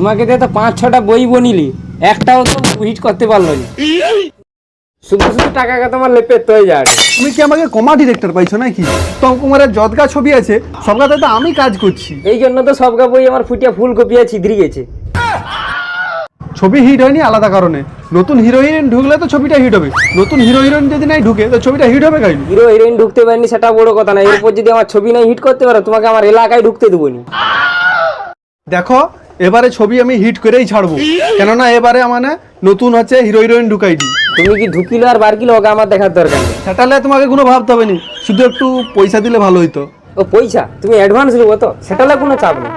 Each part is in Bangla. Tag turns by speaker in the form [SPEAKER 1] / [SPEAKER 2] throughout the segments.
[SPEAKER 1] তোমাকে দিয়ে তো 5-6টা বই বনিলি, একটাও তো হিট করতে পারলো না। শুধু শুধু টাকাকে তোমার লেপে হয়ে যায়।
[SPEAKER 2] তুমি কি আমাকে কমা ডিরেক্টর পাইছো নাকি? উত্তম কুমারের যতগা ছবি আছে সবগাতে তো আমি কাজ করছি।
[SPEAKER 1] এই জন্য তো সবগা বই আমার ফুটিয়া ফুলকপিয়া ছিদ্রি গেছে।
[SPEAKER 2] ছবি হিট হয়নি আলাদা কারণে, নতুন হিরো হিরোইন ঢুকলে তো ছবিটা হিট হবে। নতুন হিরো হিরোইন যদি নাই ঢুকে তো ছবিটা হিট হবে কাইনি?
[SPEAKER 1] হিরো হিরোইন ঢুকতে পারেনি সেটা বড় কথা না, এরপর যদি আমার ছবি নাই হিট করতে পারো তোমাকে আমার এলাকায় ঢুকতে দেবো নি।
[SPEAKER 2] দেখো এবারে ছবি আমি হিট করেই ছাড়বো, কেননা এবারে মানে নতুন হচ্ছে হিরো হিরোইন ঢুকাইছি।
[SPEAKER 1] তুমি কি ঢুকিলো আর বার কিলো ওকে আমার দেখার দরকার নেই।
[SPEAKER 2] সেটালে তোমাকে কোনো ভাবতে হবে না, শুধু একটু পয়সা দিলে ভালো হইতো।
[SPEAKER 1] ও পয়সা তুমি অ্যাডভান্স দেবো তো, সেটালে কোনো চাপ নেই।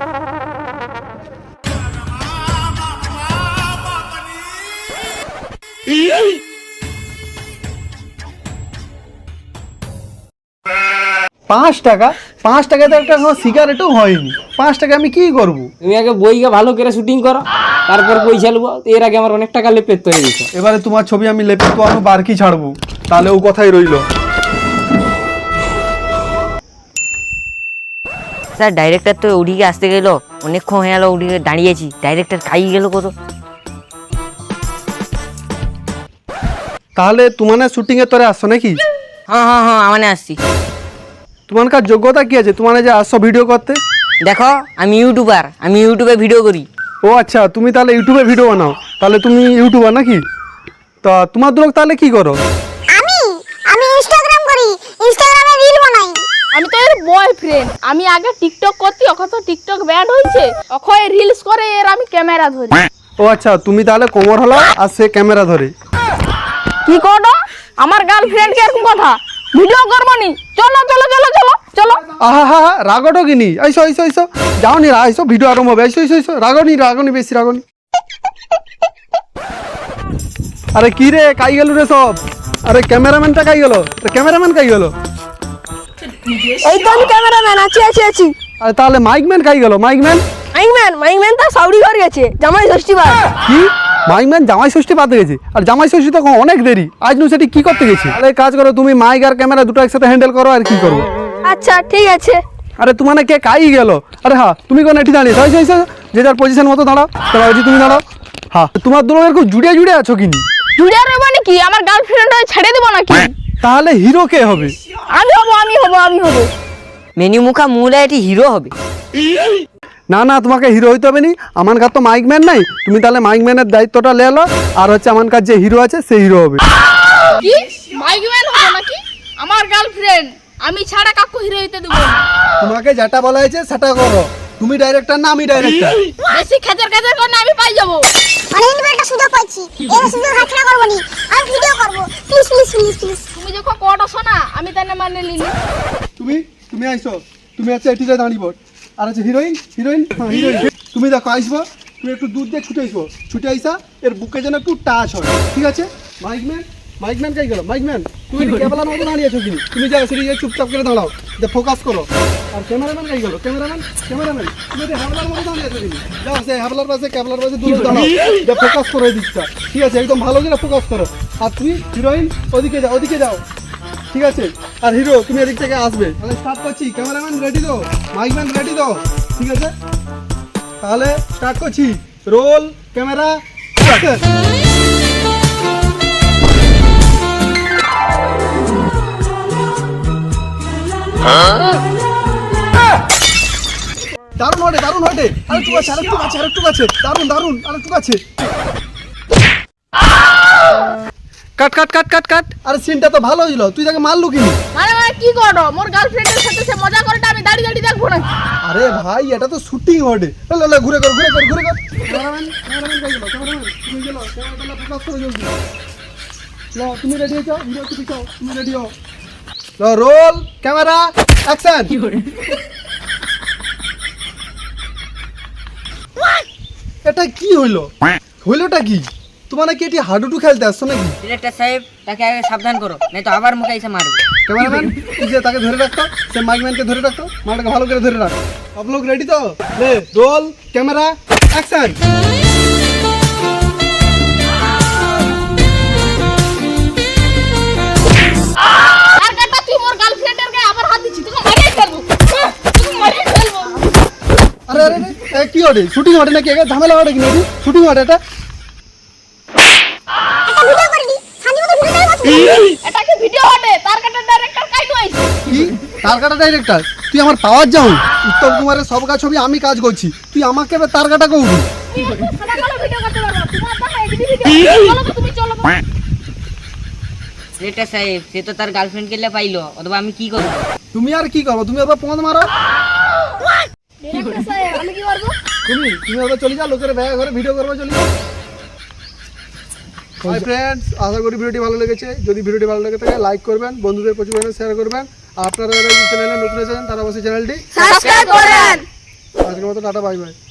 [SPEAKER 2] পাঁচ টাকা? 5 টাকাতে একটা সিগারেটও হয়নি, 5 টাকা আমি কি করবো?
[SPEAKER 1] তুমি আগে বইকে ভালো করে শুটিং করো, তারপর পয়সা নেবো। এর আগে আমার অনেক টাকা লেপে হয়ে গেছে।
[SPEAKER 2] এবারে তোমার ছবি আমি লেপে তো আমি বারকি ছাড়বো, তাহলে ও কথাই রইলো।
[SPEAKER 3] স্যার ডাইরেক্টর তো ওদিকে আসতে গেল, অনেকক্ষণ হয়ে গেল ওদিকে দাঁড়িয়েছি, ডাইরেক্টর খাই গেল কত।
[SPEAKER 2] তাহলে তোমার শুটিং এর তরে আসছো নাকি?
[SPEAKER 3] হ্যাঁ মানে আসছি।
[SPEAKER 2] তোমার কার যোগ্যতা কি আছে তোমার যে আসছো ভিডিও করতে?
[SPEAKER 3] দেখো আমি ইউটিউবার, আমি ইউটিউবে ভিডিও করি।
[SPEAKER 2] ও আচ্ছা, তুমি তাহলে ইউটিউবে ভিডিও বানাও, তাহলে তুমি ইউটিউবার নাকি? তা তোমার লোক তাহলে কি করো?
[SPEAKER 4] আমি আমি ইনস্টাগ্রাম করি, ইনস্টাগ্রামে রিল বানাই।
[SPEAKER 5] আমি তো এর বয়ফ্রেন্ড। আমি আগে টিকটক করতে, এখন তো টিকটক ব্যান হয়েছে, এখন রিলস করে এর আমি ক্যামেরা ধরি।
[SPEAKER 2] ও আচ্ছা, তুমি তাহলে কোমর হলাও আর সে ক্যামেরা ধরে।
[SPEAKER 5] কি করো আমার গার্লফ্রেন্ড কে এরকম কথা? ভিডিও করবো নি, চলো চলো চলো চলো চলো।
[SPEAKER 2] আহা হা হা, রাগটো কিনি, আইসো আইসো আইসো, যাও নি আইসো, ভিডিও আরম্ভ হবে, আইসো আইসো আইসো, রাগনি বেশি রাগনি। আরে কি রে, কাই গেল রে সব? আরে ক্যামেরাম্যানটা কাই গেল? ক্যামেরাম্যান কাই গেল?
[SPEAKER 5] এই তো আমি ক্যামেরাম্যান, আছি।
[SPEAKER 2] আরে তাহলে মাইকম্যান কাই গেল? মাইকম্যান
[SPEAKER 5] তো সাউরি ঘর গেছে, জামাই ষষ্ঠী বার।
[SPEAKER 2] কি? মাইকম্যান জামাই ষষ্ঠী পাতে গেছে? আর জামাই ষষ্ঠী তো অনেক দেরি, আজ নু সেটি কি করতে গেছে? তাহলে কাজ করো, তুমি মাইক আর ক্যামেরা দুটো একসাথে হ্যান্ডেল করো, আর কি করবো।
[SPEAKER 5] আচ্ছা ঠিক আছে।
[SPEAKER 2] আরে তোমার কে কাই গেল? আরে হ্যাঁ, তুমি কোন এটি দাঁড়িয়ে যে যার পজিশন মতো দাঁড়াও, তুমি দাঁড়াও। হ্যাঁ, তোমার দুলোকের খুব জুড়ে আছো কিনি?
[SPEAKER 5] জুড়ে রইব নাকি? আমার গার্লফ্রেন্ড ছেড়ে দেবো নাকি?
[SPEAKER 2] তাহলে হিরো কে হবে?
[SPEAKER 5] আমি হবো।
[SPEAKER 3] মেনু মুখা মুলে এটি হিরো হবে।
[SPEAKER 2] না তোমাকে হিরো হইতে হবে নি, আমার কাছে তো মাইকম্যান নাই, তুমি তাহলে মাইকম্যানের দায়িত্বটা লেলো, আর হচ্ছে আমার কাছে যে হিরো আছে সেই হিরো হবে।
[SPEAKER 5] কি মাইকম্যান হবে নাকি? আমার গার্লফ্রেন্ড, আমি ছাড়া কাকু হিরো হইতে দেবো না।
[SPEAKER 2] তোমাকে যেটা বলা হয়েছে সেটা করো, তুমি ডাইরেক্টর না আমি ডাইরেক্টর?
[SPEAKER 5] বেশি খেচার করলে আমি পাই যাবো।
[SPEAKER 4] অনেকদিন পর একটা সুযোগ পাইছি, এই সুযোগ হাতছাড়া করব নি, আমি ভিডিও করব। প্লিজ।
[SPEAKER 5] তুমি যখন কটা শোনা আমি তাই না মানে লিলি।
[SPEAKER 2] তুমি আইসো, তুমি হচ্ছে এটিতে দাঁড়িব, আর হচ্ছে হিরোইন। হ্যাঁ হিরোইন, তুমি দেখো আইসবো, তুমি একটু দূর দিয়ে ছুটে আইসা এর বুকে যেন একটু টাচ হয়, ঠিক আছে? মাইকম্যান কাই গেল? মাইকম্যান তুমি ক্যামেরার মতো দাঁড়িয়েছো কিনি? তুমি যাও সেটি চুপচাপ করে দাঁড়াও, যে ফোকাস করো। আর ক্যামেরাম্যান কাই গেল? ক্যামেরাম্যান তুমি হ্যাবলার মতো দাঁড়িয়েছো কিনি? যাও সে হ্যাবলার পাশে দূরে দাঁড়াও, যে ফোকাস করো এই দিকটা, ঠিক আছে? একদম ভালো করে ফোকাস করো। আর তুমি হিরোইন ওদিকে যাও, ঠিক আছে? আর হিরো তুমি এদিক থেকে আসবে। তাহলে স্টার্ট করছি, ক্যামেরাম্যান রেডি তো, মাইকম্যান রেডি তো, ঠিক আছে? তাহলে স্টার্ট করছি, রোল ক্যামেরা অ্যাকশন। দারুণ হটে, আরেকটু কাছে, দারুণ, আরেকটু কাছে। কাট। আরে সিনটা তো ভালো হইলো, তুই তাকে মারলু কিনি?
[SPEAKER 5] মানে কি করো? মোর গার্লফ্রেন্ডের সাথে সে মজা করে, আমি দাঁড়িয়ে দেখবো না।
[SPEAKER 2] আরে ভাই, এটা তো শুটিং হটে, ঘুরে কর। ক্যামেরাম্যান কাই গেল? তুমি গেল, ক্যামেরাটা ফোকাস করো জলদি। তুমি রেডি হয়েছো? হিরো তুমি রেডি হও। Roll camera action. এটা কি হইলোটা কি? তোমার নাকি এটি হাডুডু খেলতে আসছো নাকি?
[SPEAKER 3] ডিরেক্টর সাহেব তাকে আগে সাবধান করো, নাই তো আবার মুখে এসে মারবে।
[SPEAKER 2] ক্যামেরাম্যান তুই যে তাকে ধরে রাখতো, সে মাইকম্যানকে ধরে রাখতো, মালটাকে ভালো করে ধরে রাখ। সব লোক রেডি তো? Roll camera action. আরে কি ওঠে শুটিং ওঠে নাকি ঝামেলা ওঠে কি নাকি শুটিং ওঠে এটা
[SPEAKER 4] একটা ভিডিও করলি শান্তি মতো ভিডিও করবো
[SPEAKER 5] এটাকে ভিডিও হটে তার কাটা ডাইরেক্টর কাইটো আইছে
[SPEAKER 2] কি তার কাটা ডাইরেক্টর তুই আমার পাওয়ার যাও উত্তম কুমারের সব কাজ ছবি আমি কাজ করছি তুই আমাকে এবার তার কাটা করবি
[SPEAKER 5] সাদা কালো ভিডিও করতে পারবো তোমার দেখা এইচডি ভিডিও চলো তো তুমি চলো তো।
[SPEAKER 3] ডিরেক্টর সাহেব সে তো তার গার্লফ্রেন্ড কে পাইলো অথবা আমি কি করবো?
[SPEAKER 2] তুমি আর কি করবো তুমি এবার পদ মারো
[SPEAKER 5] ডিরেক্টর সাহেব আমি কি করব
[SPEAKER 2] তুমি এবার চলে যাও লোকের ব্যাগ ঘরে ভিডিও করবো চলে যাও হাই ফ্রেন্ডস আশা করি ভিডিওটি ভালো লেগেছে যদি ভিডিওটি ভালো লেগে থাকে লাইক করবেন বন্ধুদের প্রচুর পরিমাণে শেয়ার করবেন আর আপনারা যারা এই চ্যানেলে নতুন এসেছেন তারা অবশ্যই চ্যানেলটি
[SPEAKER 5] সাবস্ক্রাইব করেন
[SPEAKER 2] আজকের মতো টাটা বাই বাই